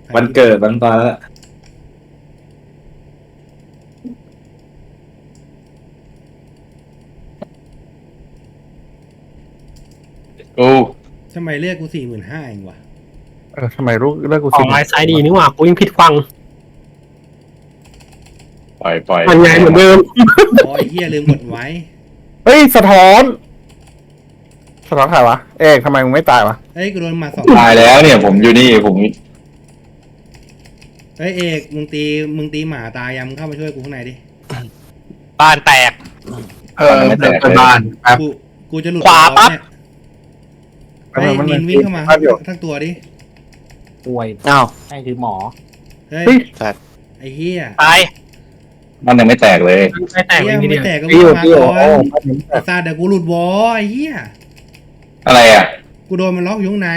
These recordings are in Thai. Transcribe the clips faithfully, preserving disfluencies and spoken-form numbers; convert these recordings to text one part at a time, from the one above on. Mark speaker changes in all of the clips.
Speaker 1: วันเกิดวันตอนแล้วกู
Speaker 2: ทำไมเลือกกูสี่หมื่นห้าเองวะ
Speaker 3: เออทำไมลูกเลิกกู
Speaker 4: ออ
Speaker 3: สิ
Speaker 4: กไลน์ซ้ายดีนี่หว่ากูยังผิดฟัง
Speaker 1: ปล่อยปล่อย
Speaker 4: มันไงเหมือนเดิม
Speaker 2: อ๋อไอ้เหี้ยลืมกดไว้
Speaker 3: เฮ้ยสะท้อนสะท้อนใครวะเอกทำไมมึงไม่ตายวะ
Speaker 2: เอ้ยกูโดนมาสอง
Speaker 1: ตายแล้วเนี่ยผมอยู่นี่ผม
Speaker 2: เฮ้ยเอกมึงตีมึงตีหมาตายยังมึงเข้ามาช่วยกูข้างในดิ
Speaker 5: บ้านแตก
Speaker 1: เออไม่แตกเลยบ้าน
Speaker 2: กูกูจะหลุด
Speaker 5: ขวาปั๊บ
Speaker 2: เนี่ยไอ้นินวิ่งเข้ามาทั้งตัวดิ
Speaker 6: ป่วย
Speaker 7: อ้าว
Speaker 6: ให้คือหมอ
Speaker 2: เฮ้ย
Speaker 7: สัตว์
Speaker 2: ไอ้เหี้ย
Speaker 5: ตาย
Speaker 1: มันยังไม่แตกเลย
Speaker 4: ไม่แตก
Speaker 2: ไอ้
Speaker 4: เล
Speaker 2: เหี้
Speaker 4: ย
Speaker 2: ย
Speaker 4: ที
Speaker 2: มึง
Speaker 4: เดี
Speaker 2: ไม่
Speaker 4: ยว
Speaker 2: แตกก็
Speaker 3: พี่
Speaker 2: วิ่ง
Speaker 3: อยู่
Speaker 2: มา
Speaker 3: พี่อยู่
Speaker 2: ก่อนไอ้ซาเดี๋ยวกูหลุดวอไอ้เหี้ย
Speaker 1: อะไรอ่ะ
Speaker 2: กูโดนมันล็อกอยู่ข้างใน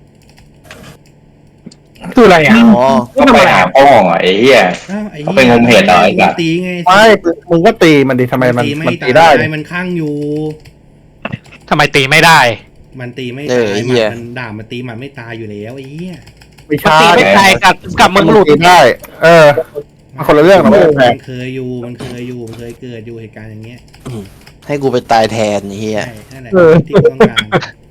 Speaker 4: คืออะไรอ่ะ
Speaker 7: อ๋อ
Speaker 1: ก็ไปหาพ่อไอ้เหี้ย
Speaker 2: อ้าวไอ้
Speaker 1: เขา
Speaker 2: เหี้ย
Speaker 1: ไปงมเห็ดเหรอไอ้สัตว์
Speaker 2: ตีไง
Speaker 3: ไม่มึงก็ตีมันดิทำไมมัน
Speaker 2: ตี
Speaker 3: มัน
Speaker 2: ไม่
Speaker 3: ตี
Speaker 2: ตา
Speaker 3: ได้
Speaker 2: ยมันข้างอยู่
Speaker 5: ทำไมตีไม่ได้
Speaker 2: มันตีไม่
Speaker 7: เอ
Speaker 2: ตา
Speaker 7: อย ไอ้
Speaker 2: ห
Speaker 7: เหี้ย
Speaker 2: มันด่ามันตีมันไม่ตายอยู่แล้วไอ้เหี้ย
Speaker 3: ไม่
Speaker 5: มัน
Speaker 3: ใช่
Speaker 5: ตีไม่ตายกับกับมึงหลุด
Speaker 3: ตีได้ เออมันคนละเรื่องนะเว้ยแพง
Speaker 2: มันเคยอยู่มันเคยอยู่มันเคยเกิดอยู่เหตุการณ์อย่างเงี้ย
Speaker 7: ให้กูไปตายแทนไอ้เฮีย
Speaker 2: ใช่นั่นแหละที่กูต้องการ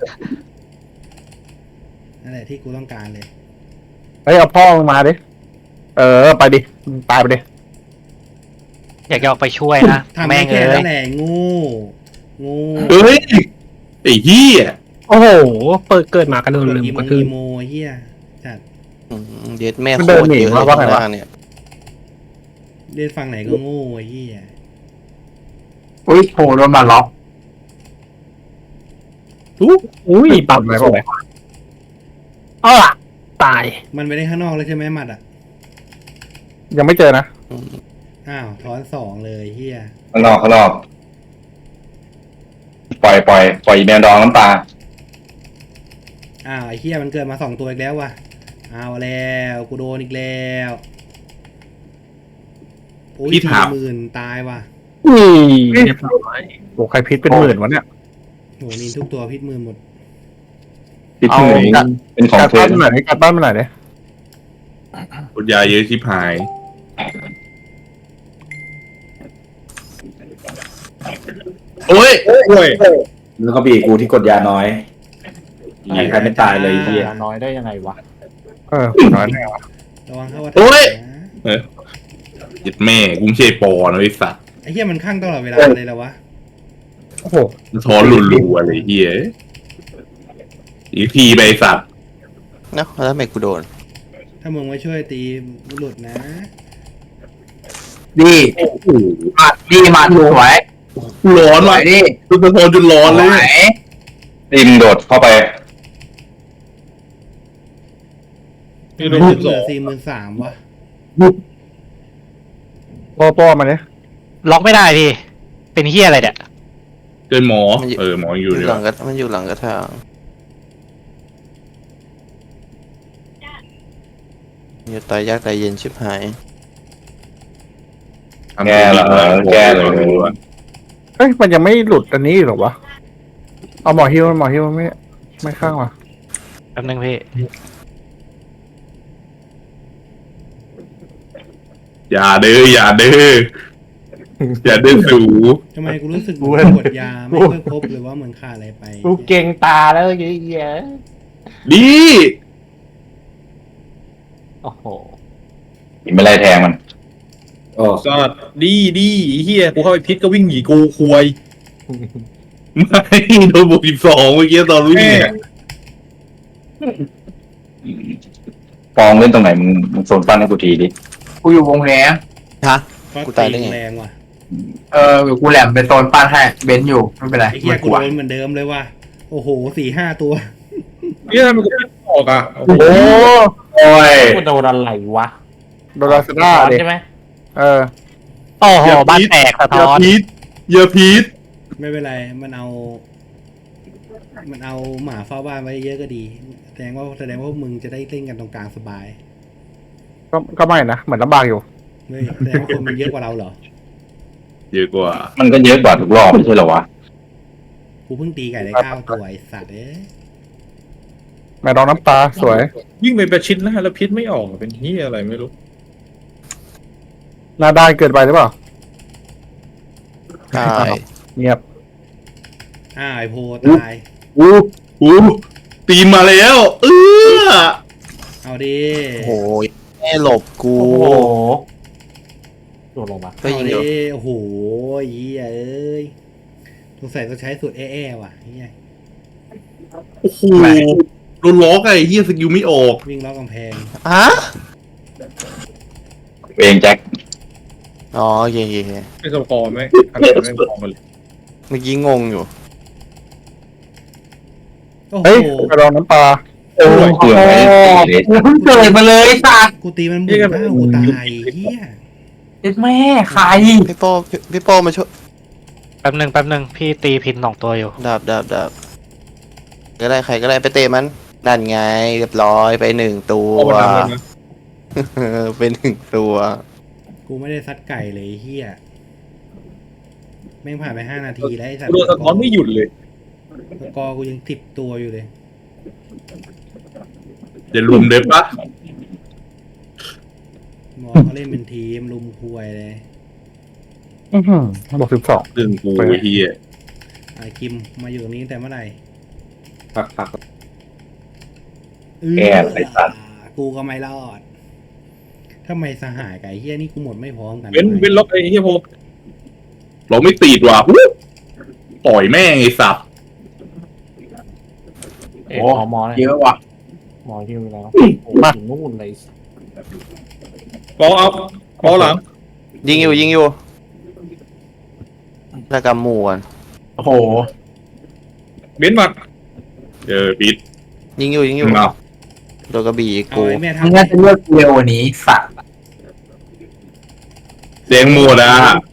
Speaker 2: นั่นแหละที่กูต้องการเลย
Speaker 3: เฮ้ยเอาพ่อมึงมาดิเออไปดิตายไปดิ
Speaker 5: อยากจะออกไปช่วยนะ
Speaker 2: ทำ
Speaker 5: แม่
Speaker 2: ไม่
Speaker 5: ง
Speaker 2: แค่
Speaker 5: เอ้
Speaker 2: นั้
Speaker 5: ย
Speaker 2: นแหละงูงู
Speaker 1: เฮ้ยไอ้เหี้ย
Speaker 4: โอ้โหเปิดเกิดมากันโดนลืม
Speaker 2: อีโม
Speaker 4: กระทืบ
Speaker 2: อีโมเฮียจัด
Speaker 7: อืมเด็ดแม่โคตรเยอะเลยข้างล่างเนี่ย
Speaker 2: เล่นฟังไหนก็งูไอ้เฮีย
Speaker 1: อุ้ยโผล่โดนมาล็อก
Speaker 4: อุ้ยปรับ
Speaker 3: ไหน
Speaker 4: ส
Speaker 3: บอก
Speaker 4: วยอ้อตาย
Speaker 2: มันไปได้ข้างนอกเลยใช่ไหมหมัดอ่ะ
Speaker 3: ยังไม่เจอนะ
Speaker 2: อ้าวถอนสองเลยเฮีย
Speaker 1: ข้างนอกข้างนอกปล่อยปล่อยปล่อยแมวดองน้ำตา
Speaker 2: อ้าวไอ้เฮียมันเกิดมาสองตัวอีกแล้วว่ะเอาแล้วกูโดนอีกแล้วโอ้ยสี่หมื่นตายว่ะ
Speaker 4: อุ้ยเรียบร้อย
Speaker 3: โอ้ใครพิษเป็นหมื่นวะเนี่ย
Speaker 2: โหนินทุกตัวพิษมือหมด
Speaker 1: ที่ถึงเป็นของ
Speaker 3: การ
Speaker 1: เธ
Speaker 3: บ้า
Speaker 1: อน
Speaker 3: มันหน่อยการบ้านมันหน่อยดิ
Speaker 8: กดยาเยอะชิบหายโอ้ยโอ้ย
Speaker 1: แล้วก็บีกูที่กดยาน้อยยิงใครไม่ตายเลยไอ้เหี้ย
Speaker 6: ยาน้อยได้ยังไงวะ
Speaker 3: เออน้อยแน่วะ
Speaker 2: ระวังเข้าว่า
Speaker 8: โอ้ย
Speaker 2: นะ
Speaker 8: ยึดแม่กุ้งเชยปอนะไอ้สัตว์
Speaker 2: ไอ้เฮียมันข้างตลอดเวลาเลยแล้ววะ
Speaker 3: โอ้โห
Speaker 8: ท้อนรัวๆอะไรเฮียอีกทีไปไอ้สัตว์
Speaker 7: เนาะแล้วทำไมกูโดน
Speaker 2: ถ้ามึงไม่ช่วยตีหลุดนะ
Speaker 1: ดี
Speaker 8: โอ้โห
Speaker 1: มาดีมาถูกไว้
Speaker 8: ร้อนว่ะ
Speaker 1: ดิ
Speaker 8: ตุกตะจนร้อนเลย
Speaker 1: ดิมโดดเข้าไป
Speaker 8: นี่
Speaker 2: เห
Speaker 8: โดน
Speaker 2: ลื
Speaker 8: สิบสอ
Speaker 2: อง สี่หมื่นสามวะ
Speaker 3: โป้โป้มาดิ
Speaker 5: ล็อกไม่ได้พี่ เป็นเฮียอะไรเนี่ย
Speaker 8: เกินหมอ เออหมออยู่
Speaker 7: อยู่
Speaker 8: ดี
Speaker 7: หลั
Speaker 8: วะ
Speaker 7: งกระมันอยู่หลังกระถางอย่าตายยากตายเย็นชิบหาย
Speaker 1: แก้เหรอแก้เลย
Speaker 3: เฮ้ยมันยังไม่หลุดอันนี้หรอวะเอาหมอฮิวหมอฮิวไม่ไม่ข้างวะ
Speaker 5: แป๊บนึงพี่
Speaker 8: อย่าเด้ออย่าเด้ออย่าเด้อสู
Speaker 2: ทำไมกูรู้สึกเหมือนกดยาไม่ค่อยครบหรือว่าเหมือนขาดอะไรไป
Speaker 6: กูเก่งตาแล้วเยอะ
Speaker 8: ดี
Speaker 6: โอ้โห
Speaker 1: ไม่ไล่แทงมันโอ้
Speaker 8: ก็ดีดีเฮียกูเข้าไปพิษก็วิ่งหนีกูควยไม่โดนบวกสิบสองเมื่อกี้ตอนวิ่งเนี่ย
Speaker 1: ฟองเล่นตรงไหนมึงมึงโซนปั้นให้กูทีดิกูอยู่วงแหน
Speaker 7: ฮะ
Speaker 2: ก็
Speaker 7: กูตายได้
Speaker 2: ตี
Speaker 7: ไง
Speaker 2: แรงว่ะ
Speaker 1: เออกูแหลมเป็นโซนปั้นให้เบนอยู่ไม่เป็นไร
Speaker 2: ไอ้เฮียกูโดนเหมือนเดิมเลยว่ะโอ้โหสี่ห้าตัว
Speaker 8: เนี่ยทำไมกูไม่ออกอ่ะ
Speaker 3: โอ้โอ้ย
Speaker 6: กูโดนอะไรวะ
Speaker 3: โดนลาซาด้าดิ
Speaker 6: ใช่ไหม
Speaker 3: เออ
Speaker 5: โอ้โหบ้านแตกสะ
Speaker 8: อย่า
Speaker 5: ท้อน
Speaker 8: พีทอย่าพีท
Speaker 2: ไม่เป็นไรมันเอา มันเอาหมาเฝ้าบ้านไว้เยอะก็ดีแสดงว่าแสดงว่าพวกมึงจะได้เล่นกันตรงกลางสบาย
Speaker 3: ก็ก็ไม่นะเหมือนลำบากอยู่
Speaker 2: เฮ้ยแสดงว่าคนมันเยอะกว่าเราเหรอ
Speaker 8: เยอะกว่า
Speaker 1: มันก็เยอะกว่าทุกรอบไม่ใช่เหรอวะ
Speaker 2: กูเพิ่งตีไก่ได้เก้าตัวไอ้สัตว์เอ้ย
Speaker 3: ม่ดองน้ำปลาสวย
Speaker 8: วิ่งไปประชิดหน้าแล้วพิษไม่ออกเป็นเฮียอะไรไม่รู้
Speaker 3: หน้าด้านเกินไปหรือเปล่า
Speaker 7: ตาย
Speaker 3: เงียบ
Speaker 2: อ้าวไอโพตาย
Speaker 8: อู้อู้ตีนมาแล้วเออ
Speaker 2: เอาดิ
Speaker 7: โอ้โหแม่หลบกู
Speaker 6: โอ้โหโดนลงมา
Speaker 7: ก็ยิ
Speaker 2: เอา
Speaker 7: ง
Speaker 2: ดิ
Speaker 7: อยู่
Speaker 2: โอ้โหเหี้ยเอ้ยสงสัยต้องใช้สูตรแอ่ๆว่ะเหี้ย
Speaker 8: โอ้โหโดนล็อกไอ้เฮียสกิลไม่ออก
Speaker 2: วิ่งล้อกำแพง
Speaker 7: ฮะ
Speaker 1: เองแจ็ค
Speaker 7: อ๋อโอเคโอเคโอเค
Speaker 8: ไม่สกอร์ไหมคะแนนไม่พอกันเลย
Speaker 7: เมื่อกี้งงอยู่
Speaker 2: โอ้โห
Speaker 3: เฮ้ยแม่ดองน้ำปลา
Speaker 1: โอ้ยเกือบไม่ได้ตีเลย
Speaker 6: กูเพิ่งเกิดมาเลยสัตว์
Speaker 2: กูตีมันบุกหน้ากูตายเหี้ย
Speaker 6: เอ็ดแม่ใคร
Speaker 7: พี่โป้พี่พี่โป้มาช่วย
Speaker 5: แป๊บหนึ่งแป๊บหนึ่งพี่ตีพินสองตัวอยู่
Speaker 7: ดาบดาบดาบก็ได้ใครก็ได้ไปเตะมันนั่นไงเรียบร้อยไปหนึ่งตัว
Speaker 8: เอามาทำเลยนะ
Speaker 7: ไปหนึ่งตัว
Speaker 2: กูไม่ได้ซัดไก่เลยเหี้ยแม่งผ่านไปห้านาทีแล้วไอ้สัต
Speaker 8: กู
Speaker 2: ว์
Speaker 8: โดนสะท้อนไม่หยุดเลย
Speaker 2: สกอร์กูยังติดตัวอยู่เลย
Speaker 8: เดี๋ยวรวมเด็บปะ
Speaker 2: มองเขาเล่นเป็นทีมลุมควยเลย
Speaker 3: อื้อหือบอกสิบสอง
Speaker 8: ดึงกูไอ้เฮีย
Speaker 2: ไอ้กิมมาอยู่ตรงนี้ตั้งแต่เมื่อไหร่
Speaker 8: พักพัก
Speaker 1: แกไอ้สัตว์
Speaker 2: กูก็ไม่รอดทำไมสหายกับไอ้เฮียนี่กูหมดไม่พร้อมกัน
Speaker 8: เว้นเว้นล็อกไอ้เฮียโพเราไม่ตีดว่ะวู้ต่อยแม่งไอ้สับ
Speaker 6: เอ็ดหมอหมอเลย
Speaker 3: เยอะว่ะ
Speaker 6: หมอฮิวแล้วโอ้โหถึงนู่นเลย
Speaker 8: ปอเอาปอหลัง
Speaker 7: ยิงอยู่ยิงอยู่แล้วกำหมูกัน
Speaker 6: โอ้โห
Speaker 8: เบ้นหมัดเจอปิด
Speaker 7: ยิงอยู่ยิงอยู่
Speaker 8: เอา
Speaker 7: โดนกระบี่
Speaker 2: เอา
Speaker 7: กู
Speaker 2: ไอ้แม่
Speaker 6: มึง
Speaker 2: ทำ
Speaker 6: น่าจะเลือกเร็วกว่านี้สัตว์
Speaker 8: แดงหมดอ่ะ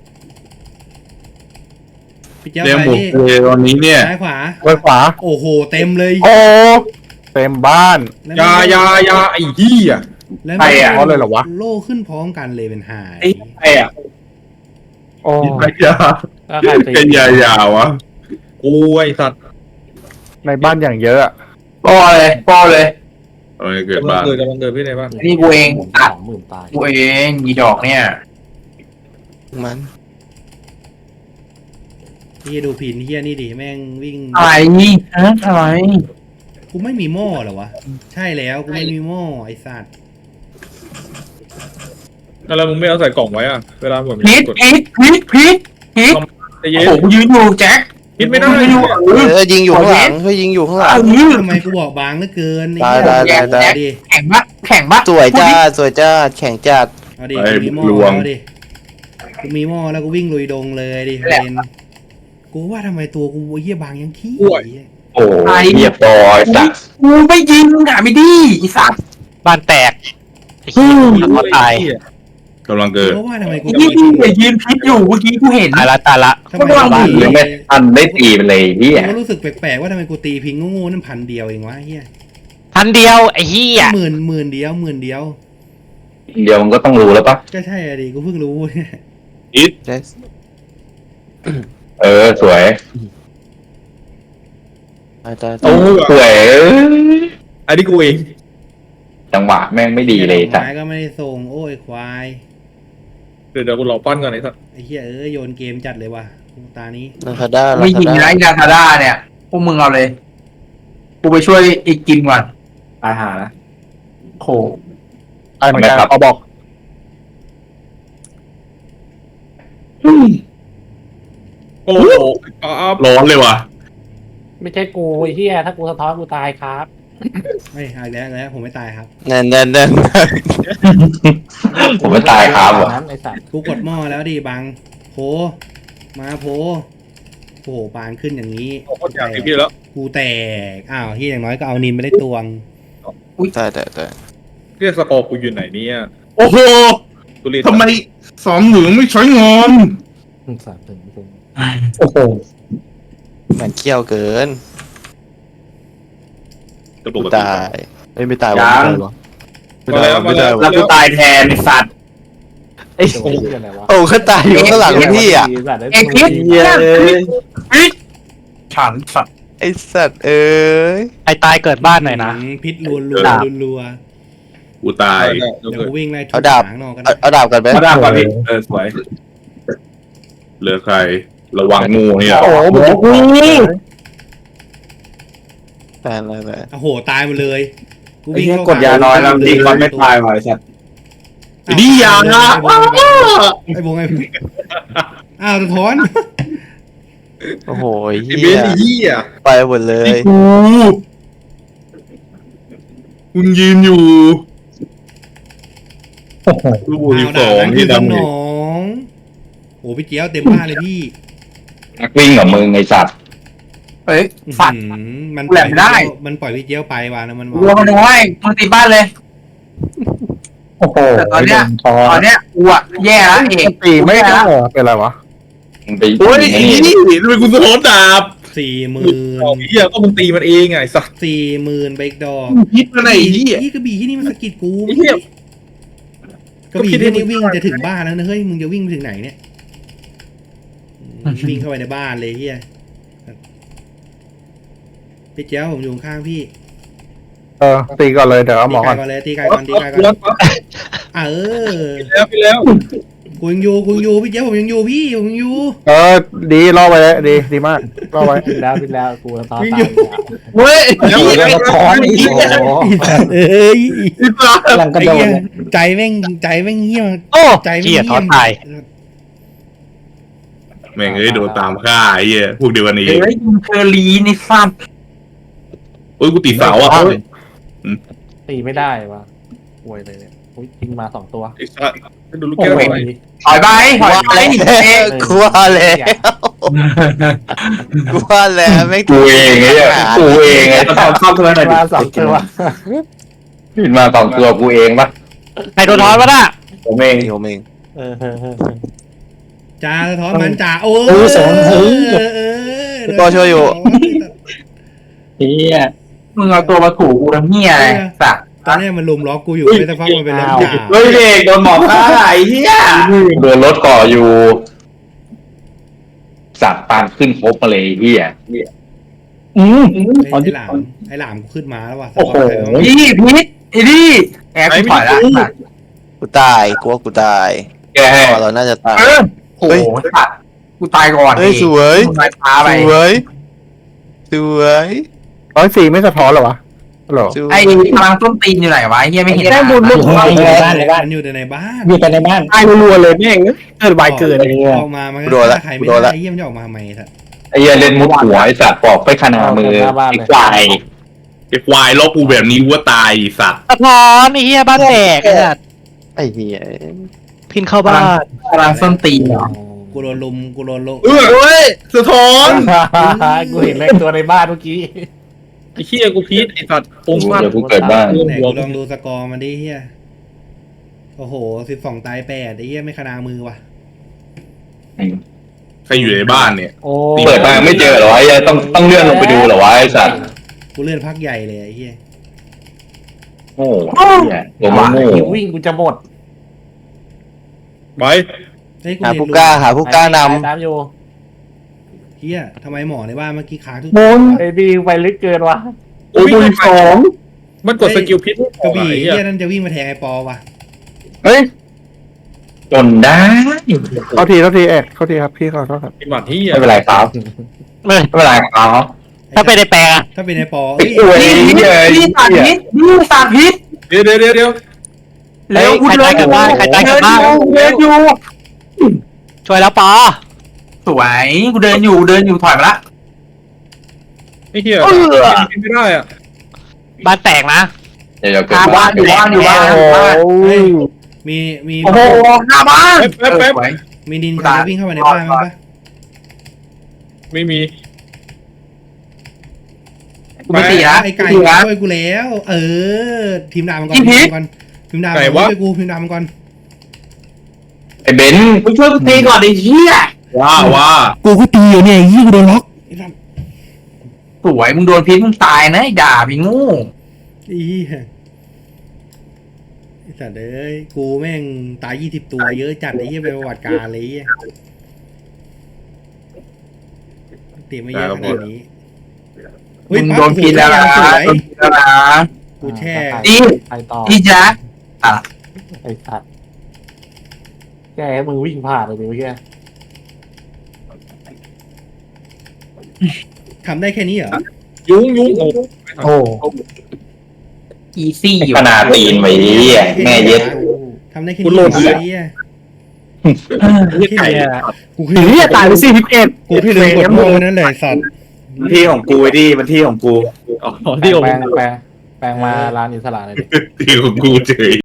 Speaker 2: พี่เจ้า
Speaker 8: แดง
Speaker 2: ไป
Speaker 8: หมด
Speaker 2: นี่
Speaker 8: เลยตอนนี้เนี่ย
Speaker 2: ซ้ายขวา
Speaker 3: ไว้ขวา
Speaker 2: โอ้โหเต็มเลย
Speaker 3: โอ้เต็มบ้าน
Speaker 2: แล้ว
Speaker 8: ยายายาไอ้เหี้ย
Speaker 2: แล้ว
Speaker 3: ใครอ่ะเขาเลยเหรอวะ
Speaker 2: โล่ขึ้นพร้อมกันเลยเป็นหาย
Speaker 8: ไอ้อะ
Speaker 3: โอ้
Speaker 8: ยายา
Speaker 6: ก็ใครตี
Speaker 8: เป็นยายาวะกูไอ้สัตว์
Speaker 3: ในบ้านอย่างเยอะอะ
Speaker 9: ปอเลยปอเลย
Speaker 8: เอาไงเกิดกำลังบ้านเกิดกำลังเกิดพี่ไหนบ้าง
Speaker 9: นี่กูเอง
Speaker 6: ส
Speaker 9: อัด
Speaker 6: องหมื่นตาย
Speaker 9: กูเองยีดอกเนี่ย
Speaker 7: มัน
Speaker 2: นี่ดูผินเฮียนี่ดิแม่งวิ่ง
Speaker 9: อะไรนี่ฮะอะไร
Speaker 2: กูไม่มีหม้อเหรอวะใช่แล้วกูไม่มีหม้อไอ้สัตว์
Speaker 8: แล้วมึงไม่เอาใส่กล่องไว้อ่ะเวลาผม
Speaker 9: พิษ
Speaker 8: กด
Speaker 9: พิษพิษพิษพิษ
Speaker 8: ใจ
Speaker 9: โอ้
Speaker 8: เย็น
Speaker 9: โหกูยืนอยู่แจ็ค
Speaker 8: พิษไม่ได้
Speaker 9: กูยืนอยู่เออ
Speaker 7: เออยิงอยู่ข้างหลังเฮ้ยยิงอยู่ข้างหลัง
Speaker 9: เอางี้
Speaker 2: ทำไมกูบอกบางเหลือเกิน
Speaker 7: ได้ได้ได้ได้
Speaker 2: เอาดิ
Speaker 9: แข่งปะแข่งปะ
Speaker 7: สวยจ้าสวยจ้าแข่งจัด
Speaker 2: เอาดิกูมีหม้อแล้วดิกูมีหม้อแล้วกูวิ่งลุยดงเลยดิเป็นกูว่าทำไมตัวกูเฮียบางยังขี้
Speaker 1: โอ้ยเหยียบต่อไอ้สัตว์
Speaker 9: กูไม่ยิงอ่ะไม่ดีไอ้สัตว์
Speaker 5: บ้านแตกไอ้เหี้ยแล้วก็ตาย
Speaker 8: กำลังเกิด
Speaker 2: เพราะว่าทำไมกู
Speaker 9: ไอ้ที่พี่ไปยืนพิษอยู่เมื่อกี้กูเห็น
Speaker 5: ตายละตายละ
Speaker 2: ทำไม
Speaker 9: ก็วาง
Speaker 1: หรือไม่ทันได้ตีไปเลยเฮีย
Speaker 2: กูก็รู้สึกแปลกๆว่าทำไมกูตีพิงโง่ๆนั่นพันเดียวเองวะเฮีย
Speaker 5: พันเดียวไอ้เหี้ย
Speaker 2: หมื่นหมื่นเดียวหมื่นเดียว
Speaker 1: เดี๋ยวมันก็ต้องรู้แล้วปะ
Speaker 2: ก็ใช่อะดิกูเพิ่งรู้เนี่ย
Speaker 7: ได้
Speaker 1: เออสวย
Speaker 7: ตายตาย
Speaker 8: โอ้
Speaker 1: สวยเอ้ย
Speaker 8: อันนี้กูเอง
Speaker 1: จังหวะแม่งไม่ดีเลยสัต
Speaker 2: ไม้
Speaker 1: ว์
Speaker 2: ก็ไม่ได้ส่งโอ้ยควาย
Speaker 8: เดี๋ยวเดี๋ยวกูรอปั้นก่อนไอ้สัตว์
Speaker 2: ไอ้เหี้ยเอ้ยโยนเกมจัดเลยว่ะตานี้
Speaker 7: ลาคาด้าลา
Speaker 9: ไม่
Speaker 7: คา
Speaker 9: ยิง
Speaker 7: ด้า
Speaker 9: นะไอ้ดาทาด้าเนี่ยพวกมึงเอาเลย กูไปช่วยอีกกินก่อนตายหาละโห
Speaker 3: ไอ้เหมือนกันเขาบอก
Speaker 8: โอ้โหอ้าวร้อนเลยว่ะ
Speaker 6: ไม่ใช่กูไอ้เหี้ยถ้ากูสะท้อนกูตายครับ
Speaker 2: ไม่เอาอีกแล้วแล้วผมไม่ตายครับ
Speaker 7: นั่นนั่นนั่น
Speaker 1: ผมไม่ตายครับวะ
Speaker 6: นั้นไอ้สัตว์
Speaker 2: กูกดหม้อแล้วดิบังโผมาโผโอ้โหปานขึ้นอย่างนี้
Speaker 8: โอ้โหอยากเห็นพี่แล้ว
Speaker 2: กูแตกอ้าวที่อย่างน้อยก็เอานินไม่ได้ตวง
Speaker 7: ตายแต่แต่
Speaker 8: เรียกสกอร์กูอยู่ไหนเนี่ย
Speaker 10: โอ้โห
Speaker 8: กูเรียน
Speaker 10: ทำไมสองเหลืองไม่ใช้งอน
Speaker 6: สามถึงถึง
Speaker 3: โอ้โห
Speaker 7: มันเขี้ยวเกิน
Speaker 8: จะป
Speaker 7: กู
Speaker 8: กติ
Speaker 7: ตายเอ้ยไม่ตายวะไม่
Speaker 8: มา
Speaker 7: ตาย
Speaker 8: แล้ว
Speaker 7: วะ
Speaker 8: มา
Speaker 7: ไม่
Speaker 8: แล้
Speaker 7: ตายว วะ
Speaker 9: แล้วกูตายแทนไอ้สัตว์
Speaker 7: ไอ้
Speaker 6: โอ้ยอะไรวะ
Speaker 7: โอ้เขาตายอยู่ข้างหลังพี่อ่ะ
Speaker 6: สัตว์ได้
Speaker 9: เอ็ก
Speaker 6: ตัว
Speaker 9: พิษ
Speaker 6: ดี
Speaker 7: เย้
Speaker 9: พิษฉันสัตว์
Speaker 7: ไอไอสัตว์เอ้ย
Speaker 5: ไอ้ตายเกิดบ้านหน่อยนะ
Speaker 2: อืมพิษรัวรัวรัว
Speaker 8: กูตาย
Speaker 2: เดี๋ยวกูวิ่งไล่ทุ
Speaker 7: เอา
Speaker 2: บ
Speaker 7: ดาบ
Speaker 2: หางนอกกัน
Speaker 7: เอาเอาดาบกันไหม
Speaker 10: มาดามก่อนพี่เออสวย
Speaker 8: เหลือใคร ระวังงูเนี่ย
Speaker 3: โอ้โหหมูกู
Speaker 7: แฟนอะไรแบบ
Speaker 2: โอ้โหตายหมดเลยกู
Speaker 10: ไอ้
Speaker 2: วิ่ง
Speaker 10: เหี้ย
Speaker 2: เข้าก
Speaker 10: ดยาน้อยแล้วยิงมันไม่ตายว่ะไอ้สัตว์
Speaker 8: นี่ยานะ
Speaker 2: ไอ้บงไอ้บงอ้าวสะท้อน
Speaker 7: โอ้โห
Speaker 8: ไอ้
Speaker 7: เฮี
Speaker 8: เบ
Speaker 7: ย
Speaker 8: นไอ้เหี้ย
Speaker 7: ไปหมดเลย
Speaker 8: นี่กูคุณยืนอยู่ลูกบูสิบสอง
Speaker 2: อ้าว
Speaker 8: ที่
Speaker 2: ด่านั้นคือส
Speaker 8: ดำ
Speaker 2: น
Speaker 8: อยู่
Speaker 2: องโอ้พี่เจี๊ยวเต็มบ้านเลยพี่
Speaker 1: นักวิ่งกับมึงไอ้สัตว์
Speaker 9: เฮ้ยสัตว์
Speaker 2: อื้อหือมัน
Speaker 9: แหลมได้
Speaker 2: มันปล่อยพี่เจี๊ยวไปว่ะนะมัน
Speaker 9: รัวมันน้อยมึงตีบ้านเลย
Speaker 3: โอ้โห
Speaker 9: แต่ตอนเนี้ย
Speaker 3: ทอ
Speaker 9: ตอนเนี้ยกูอะแย่แล้วเอก
Speaker 3: ตีไม่ได้เหรอเป็นไรวะ
Speaker 1: มึงไป
Speaker 8: โอ้ยไอ้นี่ทำไมคุณสะท้อนดาบ
Speaker 2: สี่หมื่
Speaker 8: สอง
Speaker 2: น
Speaker 8: เหี้ยก็มึงตีมันเองไงสัตว์
Speaker 2: สี่หมื่นเบรกดอก
Speaker 8: พิษมันไอ้เหี้ย
Speaker 2: นี่กระบี่ที่นี่มันสะกิดกู
Speaker 8: ไอ้เหี้ย
Speaker 2: กระบี่ที่นี่วิ่งจะถึงบ้านแล้วนะเฮ้ยมึงจะวิ่งไปถึงไหนเนี่ยอืมวิ่งเข้าไปในบ้านเลยเฮียพี่เจี๊ยวผมอยู่ข้างพี่
Speaker 3: เออตีก่อนเลยเดี๋ยวเอาหม
Speaker 2: ตี
Speaker 3: อ
Speaker 2: ไก่
Speaker 3: ก่อน
Speaker 2: ก่อนเลยตีไก่ก่อนตีไก่ก่อนอ่ะเออ
Speaker 8: แล้วไปแล้ว
Speaker 2: กูยังอยู่กูยังอยู่พี่เจี๊ยวผมยังอยู่พี่ผมยังอยู่
Speaker 3: เออดีรอไว้เลยดีดีมากรอไว้
Speaker 6: พิดแล้วพิดแล้วกูสะท้อน
Speaker 2: วิ่ง
Speaker 6: ตา
Speaker 2: อยู่
Speaker 6: ย
Speaker 8: เว้ยแล้ว
Speaker 3: เดี๋ยวสะท้อนอีก
Speaker 6: โอ้โห
Speaker 2: เอ้ย
Speaker 6: กำลังกระ
Speaker 2: ไอ้
Speaker 6: โด
Speaker 2: เหี้
Speaker 6: ด
Speaker 2: ย
Speaker 6: เลย
Speaker 2: ใจแม่งใจแม่งเหี้ย
Speaker 5: โอ้
Speaker 2: ใจแม่ง
Speaker 5: เหี้ย
Speaker 2: เหี้
Speaker 5: ท้อย ตาย
Speaker 8: แม่งเอ้ยโดนตามฆ่าไอ้เหี้ยพวกเดียวกันนี้
Speaker 9: เฮ้ยมึงเคอรีนี่ซ้
Speaker 8: โอ้ยกูติดเสาอ่ะ
Speaker 6: ตีไม่ได้วะป่วยเลยเนี่ยอุ๊ยยิงมาสองตัว
Speaker 8: ไอ้สัตว์ให้ดูลูกแก้วหน่อย
Speaker 9: ำถอยไปถอยไป
Speaker 7: กลัวแล้วกลัวแล้วไม่
Speaker 1: กูเองไอ้เหี้ยกูเองไอ้
Speaker 10: ตอนเข้าตัวหน่อยดิ
Speaker 6: มาสองตัว
Speaker 1: ขึ้นมาสองตัวกูเองปะ
Speaker 5: ใครโดนท้อนวะน่ะ
Speaker 1: ผมเอง
Speaker 7: ผมเอง
Speaker 6: เออเออเออ
Speaker 2: จ่าสะท้อนมันจ่าโอ้
Speaker 6: โอ้ยสองเฮ้ย
Speaker 2: เออเออ
Speaker 7: พี่ปอช่วยอยู่
Speaker 9: เฮียมึงเอาตัวมาถูกูทำเฮียอะไรสัตว์
Speaker 2: ตอนนี้มันลุมล็อกกูอยู่ไม่สักพักมันเป็นล็อกจ่า
Speaker 10: เฮ้ยเด็กโดนหมอฆ่าไอ้เหี้ย
Speaker 1: โดนรถก่ออยู่ สัตว์ปานขึ้นครบมาเลยไอ้เฮีย
Speaker 3: อืม
Speaker 2: ไอ้หลามไอ้หลามกูขึ้นมาแล้วว่ะ
Speaker 3: โอ้โห
Speaker 9: นี่พีทไอ้นี่แอบกูถอยละสัตว์
Speaker 7: กูตายกลัวกูตาย
Speaker 1: แกให้
Speaker 7: พอเราน่าจะตาย
Speaker 9: เออโอ้โหสัตว์กูตายก่อน
Speaker 7: เฮ้ยสวย
Speaker 9: มึงตายช้า
Speaker 7: ส
Speaker 9: ไป
Speaker 7: วยสวย
Speaker 3: ร้อยสี่ไม่สะท้อนเหรอวะฮัลโหล
Speaker 7: สวย
Speaker 9: ไอ้พลังต้นตีนอยู่ไหนวะไอ้เฮียไม่เห็น
Speaker 3: แค่บุญไม่ถึง
Speaker 6: อยู่ในบ้านในบ้าน
Speaker 2: มันอยู่แต่ในบ้าน
Speaker 6: อยู่แต่ในบ้าน
Speaker 3: ตายรัวๆเลยแม่งเกิดใบเกิด
Speaker 2: ออกมามันก็ฆ่าใครไม่ได้ไอ้เยี่ยมจะออกมาทำไมสัตว์
Speaker 1: ไอ้เหี้ยเล่นมุดหัวไอ้สัตว์ปอกไปขนามือไอ้ควาย
Speaker 8: ไอ้ควายล็อกกูแบบนี้กูว่าตายไอ้สัตว์
Speaker 5: สะท้อนไอ้เหี้ยบ้านแตกไอ้สัตว์
Speaker 7: ไอ้เหี้ย
Speaker 5: พินเข้าบ้าน
Speaker 9: พลังต้นตีนเหรอ
Speaker 2: กูโดนลุมกูโดนลุม
Speaker 8: เออเว้ยสะท้อน
Speaker 6: กูเห็นเลยตัวในบ้านเมื่อกี้
Speaker 8: ไอ้เหี้ยกูพีทไอ้สัตว์องค์ฟาด
Speaker 1: เดี๋ยวกูเกิดบ้าน
Speaker 2: ไหนกูลองดูสกอร์มันดิเฮียโอ้โหสิบสองตายแปดไอ้เหี้ยไม่ขนามือว่ะ
Speaker 8: ใครอยู่ในบ้านเนี่ย
Speaker 6: โอ้
Speaker 1: เปิดมาไม่เจอเหรอวะไอ้เหี้ยต้องต้องเลื่อนลงไปดูเหรอวะไอ้สัตว์
Speaker 2: กูเลื่อนพักใหญ่เลยไอ้เหี้ย
Speaker 1: โง่ไอ้เหี้ยตัวมันโง่
Speaker 6: หิววิ่งกูจะหมด
Speaker 8: ไป
Speaker 2: เฮ้ยกู
Speaker 7: หา
Speaker 2: เรียน
Speaker 7: ผู้
Speaker 2: รู้
Speaker 7: กล้าหาผู้กล้าน
Speaker 6: น้ำอยู่
Speaker 2: เฮียทำไมหมอในบ้านเมื่อกี้ค้างทุก
Speaker 3: บุญ
Speaker 6: ไอ้บีไปลึกเกินวะ
Speaker 8: โอ้ย
Speaker 3: บุญสอง
Speaker 8: มันกดสกิลพิษ
Speaker 2: กระบี่
Speaker 8: ไอ้
Speaker 2: เฮี
Speaker 8: เหี้ย
Speaker 2: ยนั่นจะวิ่งมาแทงไอ้ปอว่ะ
Speaker 3: เฮ้ย
Speaker 1: จนได้
Speaker 3: เขาทีเขาทีเอกเขาทีครับพี่ขอโทษครับ
Speaker 8: ไอ้หมัดเหี้ย
Speaker 1: ไม่เป็นไรครับ
Speaker 5: ไม่
Speaker 1: ไม่เป็นไรครับ
Speaker 5: ถ้าเป็นในแปลงอะ
Speaker 2: ถ้าเป็นไอ้ปอ
Speaker 1: ไอ้
Speaker 2: เอ้ย
Speaker 1: อวย
Speaker 9: นี่
Speaker 1: เหี้ย
Speaker 9: นี่สาธิตนี่สาธิต
Speaker 8: เดี๋ยวเดี๋ยวเดี๋ยวเดี๋ยว
Speaker 9: เร็วกู
Speaker 5: ใคร
Speaker 9: เดิ
Speaker 5: ตาย
Speaker 9: น
Speaker 5: กับบ้านใครตายกับบ้าน
Speaker 9: เดินอยู่
Speaker 5: ช่วยแล้วปอ
Speaker 9: สวยกูเดินอยู่เดินอยู่ถอยมาละ
Speaker 8: ไอ้เหี้ยกินไม่ได้อ่ะ
Speaker 5: บ้านแตกนะ
Speaker 1: เดี๋ยวจะเกิด
Speaker 9: บ้า
Speaker 1: บ้าน น
Speaker 9: อยู่บ้านอยู่บ้าน
Speaker 3: โอ้
Speaker 9: อยู่บ้าน
Speaker 2: เฮ้ยมีมี
Speaker 9: โอ้โหหน้าบ้าน
Speaker 8: แป๊บแป๊บ
Speaker 9: เออสวย
Speaker 2: มีนินจาวิ่งเข้ามาในบ้านมั้งปะ
Speaker 8: ไม่มี
Speaker 9: กูไม่ตีละ
Speaker 2: ไอ้ไก่
Speaker 9: ตีละ
Speaker 2: ช่วยกูแล้ว เออ ทีมดาวมันก่อน
Speaker 9: อี
Speaker 2: ที
Speaker 9: พี
Speaker 2: มดาวมันก่อนทีมดาวมันก่อนช่วยกูทีมดาวมันก่อน
Speaker 1: ไอ้เบนซ์
Speaker 9: มึงช่วยกูตีก่อนไอ้เหี้ย
Speaker 8: ว่าว่า
Speaker 2: กูก็ตีอยู่เนี่ยยี่กูโดนล็อกไอ้สัส
Speaker 9: สวยมึงโดนพิษมึงตายนะไอ้ด่าพี่งู
Speaker 2: อีไอ้สัตว์เอ้ยกูแม่งตายยี่สิบตัวเยอะจัดไอ้เหี้ยเป็นประวัติการเลยไอ้เหี้ยตีไม่เยอะขนาดนี้เฮ้ย
Speaker 9: มึง
Speaker 2: ปั๊บ
Speaker 9: โดนกินแล้วนะ
Speaker 2: สวย
Speaker 9: โดนกินแล้วนะ
Speaker 2: กูแช่
Speaker 6: อ่า
Speaker 9: นี่
Speaker 6: ใครต่อ
Speaker 9: นี่จ๊ะ
Speaker 6: ไอ้สัตว์แกให้มึงวิ่งผ่านเลยดิเมื่อกี้
Speaker 2: ทำได้แค่นี้เหรอ
Speaker 8: ยุ้งยุ้งโอ้
Speaker 4: โอ้
Speaker 9: อีซี่อยู่
Speaker 1: ขนาดตีนไว้เหี้ยแม่เย็ด
Speaker 2: ทำได้แค่นี้เหรอไอ้เหี้ย
Speaker 8: ยไก่
Speaker 2: กู
Speaker 4: หนีตายไปสี่สิบเอ็ด
Speaker 2: กูพี่ลืมกดโม่นั่นแหละไอ้สัตว์
Speaker 10: ที่ของกูไอ้ดิมันที่ของกู
Speaker 6: แปลงแปลงแปลงมาร้านอิสระเลยดิ
Speaker 8: ที่ของกูเฉย